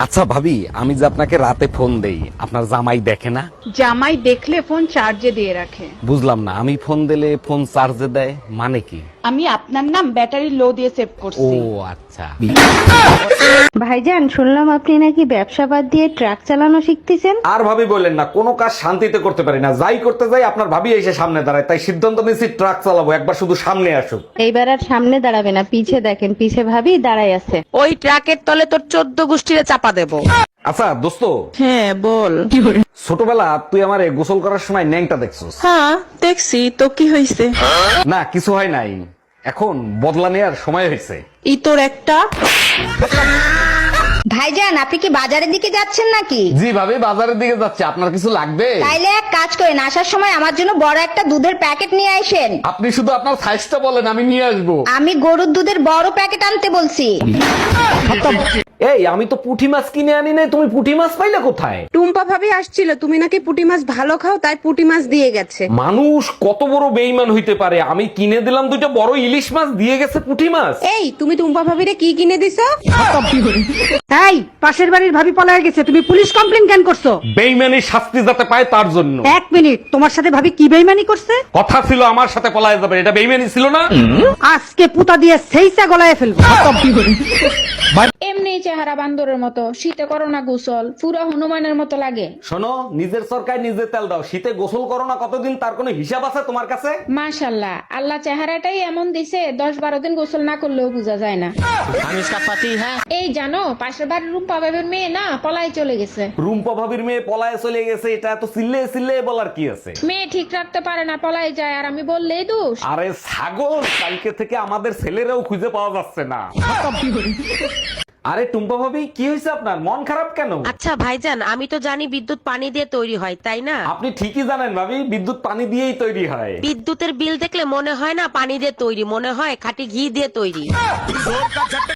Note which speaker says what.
Speaker 1: আচ্ছা ভাবি, আমি যে আপনাকে রাতে ফোন দেই, আপনার জামাই দেখে না?
Speaker 2: জামাই দেখলে ফোন চার্জে দিয়ে রাখে।
Speaker 1: বুঝলাম না, আমি ফোন দিলে ফোন চার্জে দেয় মানে কি?
Speaker 2: আমি আপনার নাম ব্যাটারি লো দিয়ে সেভ
Speaker 1: ও
Speaker 2: করছি।
Speaker 1: আচ্ছা।
Speaker 3: ভাইজান, শুনলাম আপনি নাকি ব্যবসা বাদ দিয়ে ট্রাক চালানো শিখতেছেন।
Speaker 1: আর ভাবি বললেন না, কোনো কাজ শান্তিতে করতে পারি না, যাই করতে যাই আপনার ভাবি এসে সামনে দাঁড়ায়, তাই সিদ্ধান্ত নিয়েছি ট্রাক চালাবো, একবার শুধু সামনে আসুক।
Speaker 3: এইবার আর সামনে দাঁড়াবে না, পিছে দেখেন, পিছে ভাবি দাঁড়াই আছে।
Speaker 4: ওই ট্রাকের তলে তোর 14 গোষ্ঠীরে চাপা দেবো।
Speaker 1: আচ্ছা দোস্ত,
Speaker 4: হ্যাঁ বল।
Speaker 1: ছোটবেলা তুই আমারে গোসল করার সময় ন্যাংটা দেখছিস?
Speaker 4: হ্যাঁ দেখছি, তো কি হয়েছে?
Speaker 1: না কিছু হয় নাই, এখন বদলা নেওয়ার সময় হয়েছে।
Speaker 4: ই তোর একটা।
Speaker 3: ভাইজান, আপনি কি বাজারের দিকে যাচ্ছেন নাকি?
Speaker 1: জি ভাবি, বাজারের দিকে যাচ্ছে, আপনার কিছু লাগবে?
Speaker 3: তাইলে এক কাজ করেন, আসার সময় আমার জন্য বড় একটা দুধের প্যাকেট নিয়ে আসেন।
Speaker 1: আপনি শুধু আপনার সাইজটা বলেন, আমি নিয়ে আসবো।
Speaker 3: আমি গরুর দুধের বড় প্যাকেট আনতে বলছি।
Speaker 1: এই আমি তো পুঁটি মাছ কিনে আনি নাই, তুমি পুঁটি মাছ পাইলে কোথায়?
Speaker 5: টুম্পা ভাবি আসছিল, তুমি নাকি পুঁটি মাছ ভালো খাও, তাই পুঁটি মাছ দিয়ে গেছে।
Speaker 1: মানুষ কত বড় বেইমান হইতে পারে, আমি কিনে দিলাম দুইটা বড় ইলিশ মাছ, দিয়ে গেছে পুঁটি মাছ।
Speaker 5: এই তুমি টুম্পা ভাবিরে কি কিনে দিছো?
Speaker 2: এই পাশের বাড়ির ভাবি পলায় গেছে, তুমি পুলিশ কমপ্লেন কেন করছো?
Speaker 1: বেইমানির শাস্তি যাতে পায় তার জন্য।
Speaker 2: এক মিনিট, তোমার সাথে ভাবি কি বেইমানি করছে?
Speaker 1: কথা ছিল আমার সাথে পলায় যাবে, এটা বেইমানি ছিল না?
Speaker 2: আজকে পুতা দিয়ে সেইটা গলায় ফেলবো।
Speaker 6: এমনি চেহারা বান্দরের মতো, শীতে করো না গোসল, পুরো হনুমানের মতো লাগে।
Speaker 1: শোনো, নিজের সরকার নিজে তেল দাও, শীতে গোসল করো না কতদিন, তার কোনো হিসাব আছে তোমার কাছে?
Speaker 6: মাশাল্লাহ, আল্লাহ চেহারাটাই এমন দিছে, 10-12 দিন গোসল না করলেও বোঝা যায় না। এই জানো, পাশের বাড়ির রুম্পা বাবের মেয়ে না পলাই চলে গেছে।
Speaker 1: রুম্পা ভাবির মেয়ে পলায় চলে গেছে, এটা এত চিল্লে চিল্লে বলার কি আছে?
Speaker 6: মেয়ে ঠিক রাখতে পারে না, পলাই যায়, আর আমি বললেই দোষ।
Speaker 1: আরে ছাগল, কালকে থেকে আমাদের ছেলেরাও খুঁজে পাওয়া যাচ্ছে না। আরে টুম্পা ভাবি, কি হয়েছে আপনার, মন খারাপ কেন?
Speaker 4: আচ্ছা ভাইজান, আমি তো জানি বিদ্যুৎ পানি দিয়ে তৈরি হয়, তাই না?
Speaker 1: আপনি ঠিকই জানেন ভাবি, বিদ্যুৎ পানি দিয়েই তৈরি হয়।
Speaker 4: বিদ্যুতের বিল দেখলে মনে হয় না পানি দিয়ে তৈরি, মনে হয় খাঁটি ঘি দিয়ে তৈরি।